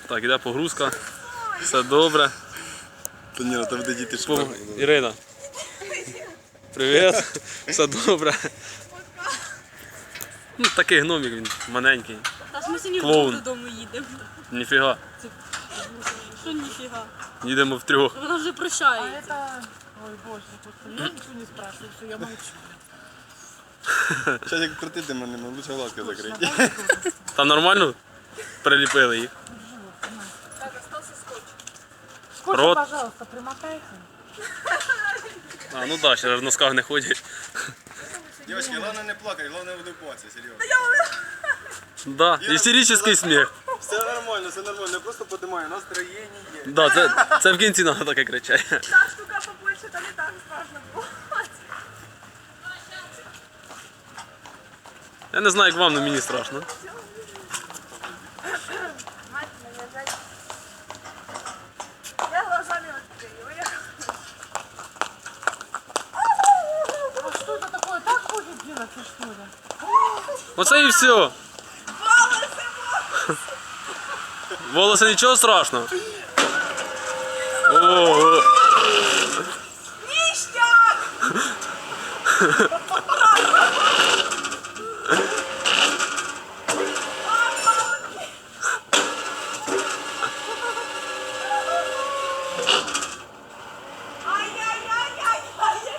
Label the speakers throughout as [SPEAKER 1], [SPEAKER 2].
[SPEAKER 1] Так, іде погрузка. Все добре.
[SPEAKER 2] Та ні, там де діти шпарили.
[SPEAKER 1] Ірина. Привіт. Все добре. Ну, такий гномик він, маленький.
[SPEAKER 3] Та ж ми сьогодні
[SPEAKER 1] Клоун.
[SPEAKER 3] додому їдемо.
[SPEAKER 1] Ніфіга.
[SPEAKER 3] Що ніфіга?
[SPEAKER 1] Їдемо втрьох.
[SPEAKER 3] Вона вже прощається.
[SPEAKER 4] Ой, боже, господи, я ничего не спрашиваю, все, я молчу.
[SPEAKER 2] Зараз як крутити мене, лучше глазки закриті.
[SPEAKER 1] Там нормально приліпили їх.
[SPEAKER 4] Скотч,
[SPEAKER 1] Рот.
[SPEAKER 4] пожалуйста, примотайте.
[SPEAKER 1] А, ну так, ще в носках не ходять.
[SPEAKER 2] Дівчатки, головне не плакати, головне улыбатися, серйозно.
[SPEAKER 1] Да, істеричний сміх.
[SPEAKER 2] Все нормально, я просто піднімаю настроєння.
[SPEAKER 1] Да, це в кінці треба таке кричати.
[SPEAKER 5] Та штука побольше, та не так страшно було.
[SPEAKER 1] Я не знаю, як вам, але мені страшно.
[SPEAKER 5] Мать мене, зайчик. Я глазами відкрию.
[SPEAKER 4] А что это такое? Так будет делаться, что ли?
[SPEAKER 1] Оце і все. Волоси нічого страшного. О,
[SPEAKER 5] Ніштяк! Ай-яй-яй-яй-яй!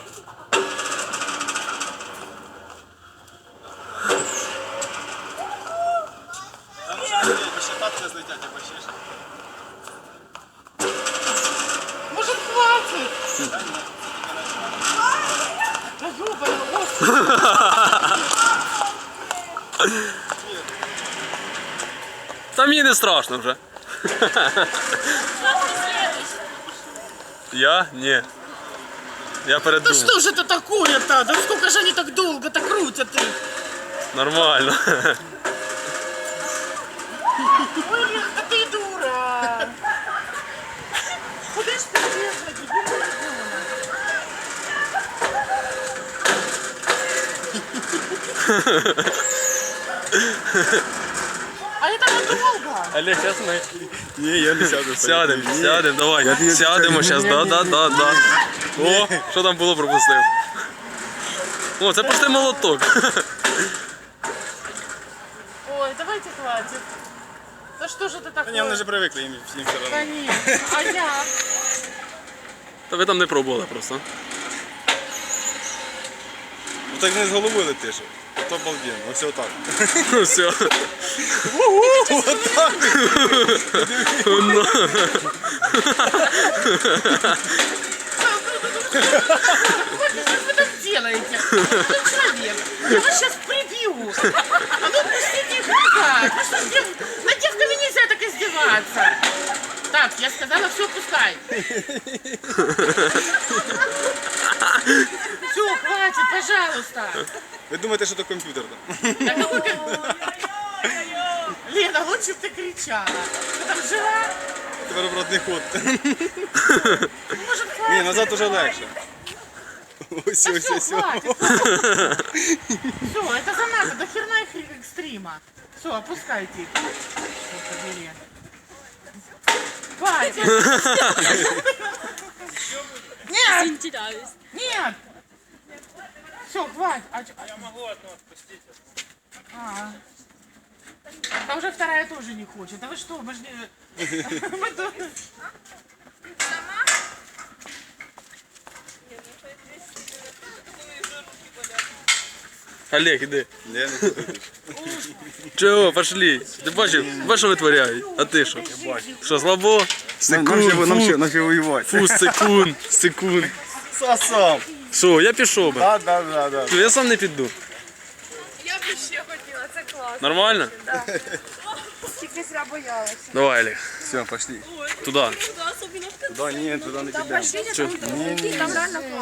[SPEAKER 2] Там ще тапки злетять, або ще ж.
[SPEAKER 4] Может, хватит? Да ёбаный, господи.
[SPEAKER 1] та мені не страшно вже. Я? Ні. Я
[SPEAKER 4] Да
[SPEAKER 1] передумав.
[SPEAKER 4] что же это такое-то? Да сколько же они так долго-то крутят их?
[SPEAKER 1] Нормально.
[SPEAKER 4] Ой, Лен, да ты дура. Куда ж ты бежала, дебильная дура? А это надолго?
[SPEAKER 1] Олег, зараз ми
[SPEAKER 2] Ні, я не сяду.
[SPEAKER 1] сядемо, давай. Сядемо зараз, да. О, що там було, пропустив. О, це пустий молоток.
[SPEAKER 4] Ой, давайте хватит. Да что же это
[SPEAKER 2] Та ні, вони
[SPEAKER 4] такое?
[SPEAKER 2] вже привикли, їм все одно.
[SPEAKER 4] Конечно. А я?
[SPEAKER 1] Та ви там не пробували просто.
[SPEAKER 2] Ну так не з голови летиш. То обалденно, ось отак.
[SPEAKER 1] Все.
[SPEAKER 4] Что вы так делаете? Что человек? Я вас сейчас прибью. А ну пустите их назад. Вы что, над девками нельзя так издеваться. Так, я сказала, все, пускай. Все, хватит, пожалуйста.
[SPEAKER 2] Ви думаєте, що то комп'ютер там?
[SPEAKER 4] Так, какой Лена, лучше бы ты кричала. Ты там жива?
[SPEAKER 2] Тепер обратний ход.
[SPEAKER 4] Может,
[SPEAKER 2] Ні,
[SPEAKER 4] хватит?
[SPEAKER 2] назад уже легше. Ось,
[SPEAKER 4] Да
[SPEAKER 2] ось,
[SPEAKER 4] все,
[SPEAKER 2] ось.
[SPEAKER 4] хватит. Все, это занадто, до херна их экстрима. Все, опускайте их. Что побери. Хватит. Нет,
[SPEAKER 3] Інтерес.
[SPEAKER 4] нет. Все, хватит. Я могу одну отпустить. А уже вторая тоже не хочет. А вы что, мы же не... Мы тоже-
[SPEAKER 1] Олег, іди.
[SPEAKER 2] Я не буду.
[SPEAKER 1] Чого, пошли. Ти бачиш, що витворяють? А ти що? Що, слабо?
[SPEAKER 2] Нам ще воювати.
[SPEAKER 1] Фу, секунд.
[SPEAKER 2] Сам.
[SPEAKER 1] Що, я пішов би.
[SPEAKER 2] Да.
[SPEAKER 1] Я сам не піду.
[SPEAKER 5] Я б ще хотіла, це класно.
[SPEAKER 1] Нормально?
[SPEAKER 5] Тільки зря боялася.
[SPEAKER 1] Давай, Олег.
[SPEAKER 2] Все, пошли.
[SPEAKER 1] Туди.
[SPEAKER 2] Туда, ні, туди не підемо.
[SPEAKER 5] Пошли, там реально класно.